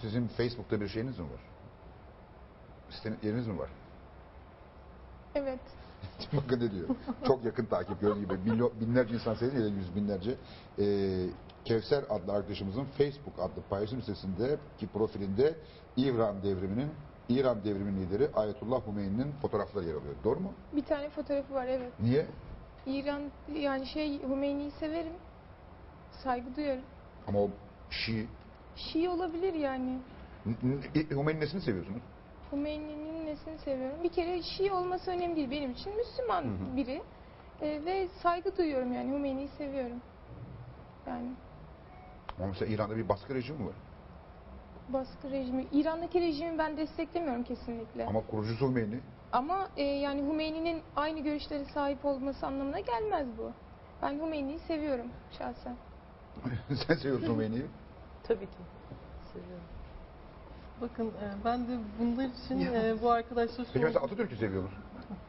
sizin Facebook'ta bir şeyiniz mi var? Yeriniz mi var? Evet. Bakın ne diyor. Çok yakın takip gördüğü gibi. Binlerce insan seyrediyor ya da yüz binlerce. Kevser adlı arkadaşımızın Facebook adlı paylaşım sitesindeki profilinde İran devriminin lideri Ayetullah Hümeyni'nin fotoğrafları yer alıyor. Doğru mu? Bir tane fotoğrafı var, evet. Niye? İran, yani Hümeyni'yi severim. Saygı duyarım. Ama o Şii. Şii olabilir yani. Hümeyni'nin nesini seviyorsunuz? Hümeyni'nin nesini seviyorum? Bir kere Şii olması önemli değil. Benim için Müslüman biri. Ve saygı duyuyorum yani. Hümeyni'yi seviyorum. Yani. Ama mesela İran'da bir baskı rejimi var. Baskı rejimi. İran'daki rejimi ben desteklemiyorum kesinlikle. Ama kurucusu Hümeyni. Ama yani Hümeyni'nin aynı görüşlere sahip olması anlamına gelmez bu. Ben Hümeyni'yi seviyorum şahsen. Sen seviyorsun Hümeyni'yi. Tabii ki. Seviyorum. Bakın ben de bunlar için bu arkadaşlar Peki mesela Atatürk'ü seviyor musun?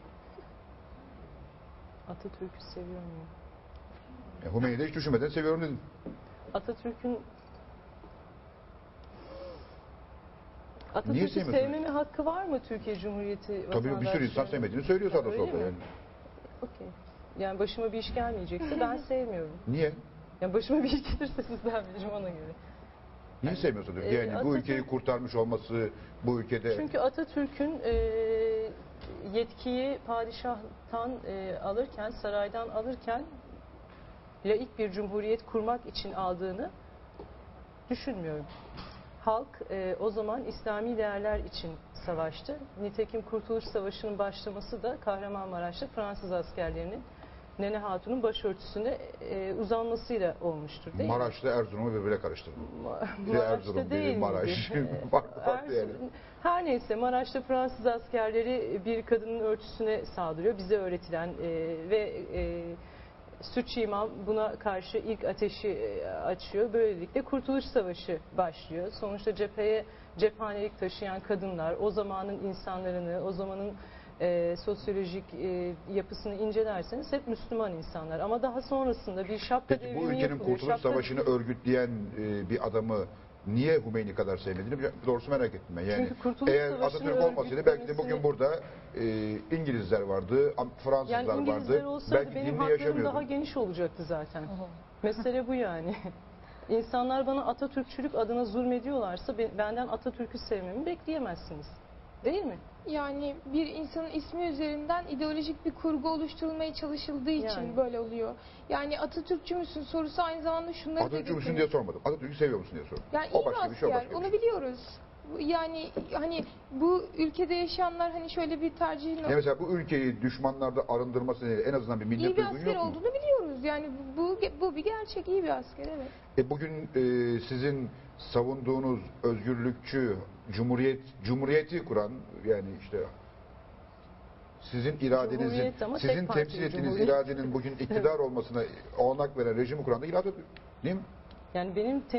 Atatürk'ü seviyor muyum? Hümeyni'yi de hiç düşünmeden seviyorum dedin. Atatürk'ü sevmiyorsun? sevmeme hakkı var mı Türkiye Cumhuriyeti vatandaşları? Tabii bir sürü insan sevmediğini söylüyor sağda Öyle solda mi? yani. Okey. Yani başıma bir iş gelmeyecekse ben sevmiyorum. Niye? Yani başıma bir iş gelirse sizden bilirim ona göre. Niye sevmiyorsun? Yani bu ülkeyi kurtarmış olması, bu ülkede... Çünkü Atatürk'ün yetkiyi padişahtan alırken, saraydan alırken laik bir cumhuriyet kurmak için aldığını düşünmüyorum. Halk o zaman İslami değerler için savaştı. Nitekim Kurtuluş Savaşı'nın başlaması da Kahramanmaraş'ta Fransız askerlerinin Nene Hatun'un başörtüsüne uzanmasıyla olmuştur değil mi? Maraş'ta Erzurum'u birbirine karıştırdı. Biri Maraş'ta Erzurum, değil biri Maraş. Farklı yani. Her neyse Maraş'ta Fransız askerleri bir kadının örtüsüne saldırıyor. Bize öğretilen ve Sütçü İmam buna karşı ilk ateşi açıyor. Böylelikle Kurtuluş Savaşı başlıyor. Sonuçta cephanelik taşıyan kadınlar, o zamanın insanlarını, o zamanın sosyolojik yapısını incelerseniz hep Müslüman insanlar. Ama daha sonrasında bir şapka Peki bu devrimi ülkenin yapılıyor. Kurtuluş Savaşı'nı örgütleyen bir adamı niye Hümeyni kadar sevmediğini doğrusu merak ettim ben. Yani Çünkü Kurtuluş eğer Savaşı'nı Atatürk olmasaydı belki de bugün burada İngilizler vardı, Fransızlar yani İngilizler vardı. olsaydı Belki benim dinle haklarım yaşamıyordu. daha geniş olacaktı zaten. Mesele bu yani. İnsanlar bana Atatürkçülük adına zulmediyorlarsa benden Atatürk'ü sevmemi bekleyemezsiniz. Değil mi? Yani bir insanın ismi üzerinden ideolojik bir kurgu oluşturulmaya çalışıldığı için Yani. böyle oluyor. Yani Atatürkçü müsün sorusu aynı zamanda şunları da Atatürk'ü müsün getiriyor. diye sormadım. Atatürk'ü seviyor musun diye sordum. Yani O iyi bir başka bir şey, o asker, başka bir onu şey. biliyoruz. Yani hani bu ülkede yaşayanlar hani şöyle bir tercihin Ya mesela bu ülkeyi düşmanlarda arındırması nedeniyle en azından bir millet iyi bir duygun asker yok mu? olduğunu biliyoruz. Yani bu bir gerçek, iyi bir asker, evet. Bugün sizin savunduğunuz özgürlükçü, cumhuriyeti kuran yani işte sizin iradenizin, Cumhuriyet ama sizin tek partili temsil ettiğiniz cumhuriyet. iradenin bugün iktidar olmasına olanak veren rejimi kuran da İlhat Atatürk. Değil mi? Yani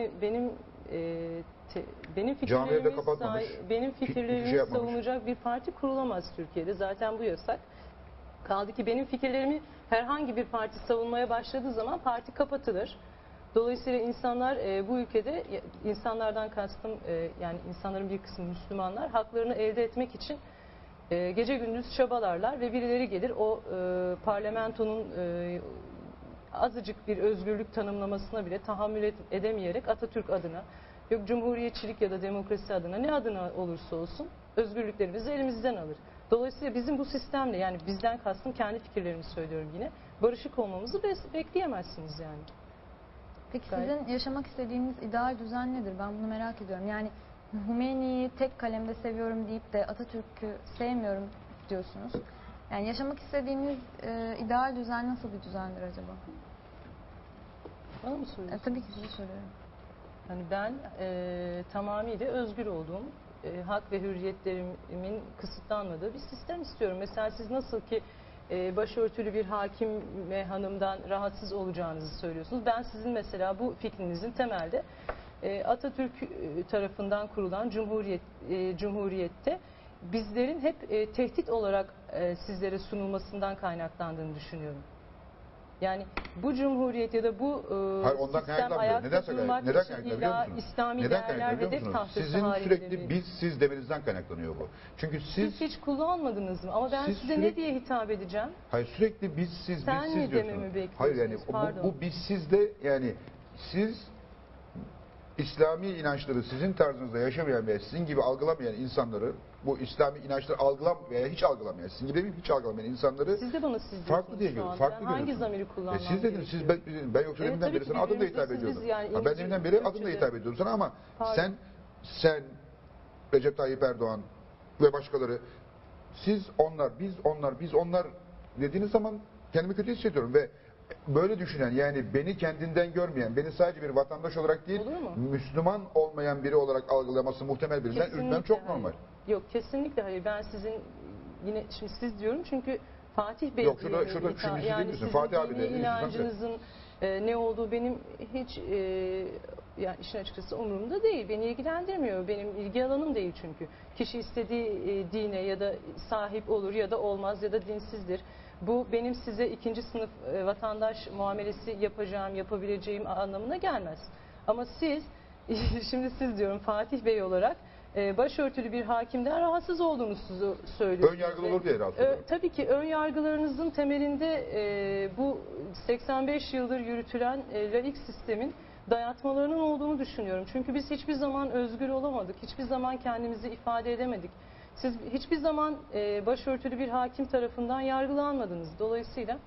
benim Camileri de kapatmamış. benim Hiçbir fikirlerimi şey yapmamış. savunacak bir parti kurulamaz Türkiye'de. Zaten bu yasak. Kaldı ki benim fikirlerimi herhangi bir parti savunmaya başladığı zaman parti kapatılır. Dolayısıyla insanlar bu ülkede, insanlardan kastım yani insanların bir kısmı Müslümanlar, haklarını elde etmek için gece gündüz çabalarlar ve birileri gelir o parlamentonun azıcık bir özgürlük tanımlamasına bile tahammül edemeyerek Atatürk adına, yok cumhuriyetçilik ya da demokrasi adına, ne adına olursa olsun özgürlüklerimizi elimizden alır. Dolayısıyla bizim bu sistemle, yani bizden kastım kendi fikirlerimi söylüyorum yine, barışık olmamızı bekleyemezsiniz yani. Peki sizin yaşamak istediğiniz ideal düzen nedir? Ben bunu merak ediyorum. Yani Hümeyni'yi tek kalemde seviyorum deyip de Atatürk'ü sevmiyorum diyorsunuz. Yani yaşamak istediğiniz ideal düzen nasıl bir düzendir acaba? Bana mı soruyorsunuz? Tabii ki size soruyorum. Yani ben tamamıyla özgür olduğum, hak ve hürriyetlerimin kısıtlanmadığı bir sistem istiyorum. Mesela siz nasıl ki başörtülü bir hakim ve hanımdan rahatsız olacağınızı söylüyorsunuz. Ben sizin mesela bu fikrinizin temelde Atatürk tarafından kurulan cumhuriyette bizlerin hep tehdit olarak sizlere sunulmasından kaynaklandığını düşünüyorum. Yani bu cumhuriyet ya da bu Hayır, ondan sistem kaynaklanmıyor. ayakta Neden durmak neden için kaynaklanıyor illa biliyor musunuz? İslami Neden değerler kaynaklanıyor biliyor hedef musunuz? tahtası Sizin halinde sürekli mi? biz siz demenizden kaynaklanıyor bu. Çünkü siz Siz hiç kullanmadınız mı? Ama ben Siz size ne sürekli- diye hitap edeceğim? hayır sürekli biz siz Sen biz mi siz dememi diyorsunuz. bekliyorsunuz? Hayır yani Pardon. bu biz sizde yani siz İslami inançları sizin tarzınızda yaşamayan veya sizin gibi algılamayan insanları, bu İslami inançları veya hiç algılamayan, sizin gibi hiç algılamayan insanları Siz de bana siz diyorsunuz farklı diye şu görüyorum. anda. Farklı Hangi görüyorsunuz. zamiri kullanmam Siz dediniz, siz ben yoksa Evet, deminden tabii beri ki sana adımla birbirimize hitap siz, ediyordum. biz yani Ben İngilizce, deminden beri adımla Türkçe'de. hitap ediyorum sana ama Pardon. sen Recep Tayyip Erdoğan ve başkaları siz biz onlar dediğiniz zaman kendimi kötü hissediyorum ve böyle düşünen yani beni kendinden görmeyen, beni sadece bir vatandaş olarak değil, Olur mu? Müslüman olmayan biri olarak algılaması muhtemel birinden Kesinlikle üzmem çok hayır. normal. Yok kesinlikle hayır. Ben sizin yine şimdi siz diyorum çünkü Fatih Bey Yok, diye şurada mi şimdi hitap- siz değil yani misin? sizin Fatih abi dini de, değil misin? inancınızın ne olduğu benim hiç yani işin açıkçası umurumda değil. Beni ilgilendirmiyor. Benim ilgi alanım değil çünkü. Kişi istediği dine ya da sahip olur ya da olmaz ya da dinsizdir. Bu benim size ikinci sınıf vatandaş muamelesi yapabileceğim anlamına gelmez. Ama siz, şimdi siz diyorum Fatih Bey olarak başörtülü bir hakimden rahatsız olduğunuzu söylüyorsunuz. Ön yargılı olur diye rahatsız oluyorum. Tabii ki ön yargılarınızın temelinde bu 85 yıldır yürütülen laik sistemin dayatmalarının olduğunu düşünüyorum. Çünkü biz hiçbir zaman özgür olamadık. Hiçbir zaman kendimizi ifade edemedik. Siz hiçbir zaman başörtülü bir hakim tarafından yargılanmadınız. Dolayısıyla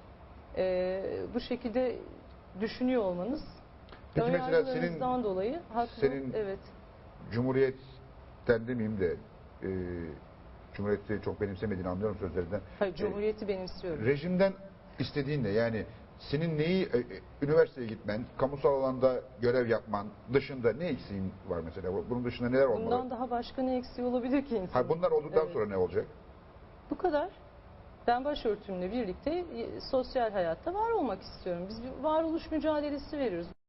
bu şekilde düşünüyor olmanız Peki ön mesela yargılarınızdan dolayı haklı. senin Evet. Cumhuriyet'ten demeyeyim de Cumhuriyet'i çok benimsemediğini anlıyorum sözlerinden. Hayır, Cumhuriyeti benimsiyorum. Rejimden istediğin ne? Yani senin neyi üniversiteye gitmen, kamusal alanda görev yapman dışında ne eksiğin var mesela? Bunun dışında neler olmalı? Bundan daha başka ne eksiği olabilir ki insanın? Ha, bunlar olduktan Evet. sonra ne olacak? Bu kadar. Ben başörtümle birlikte sosyal hayatta var olmak istiyorum. Biz bir varoluş mücadelesi veriyoruz.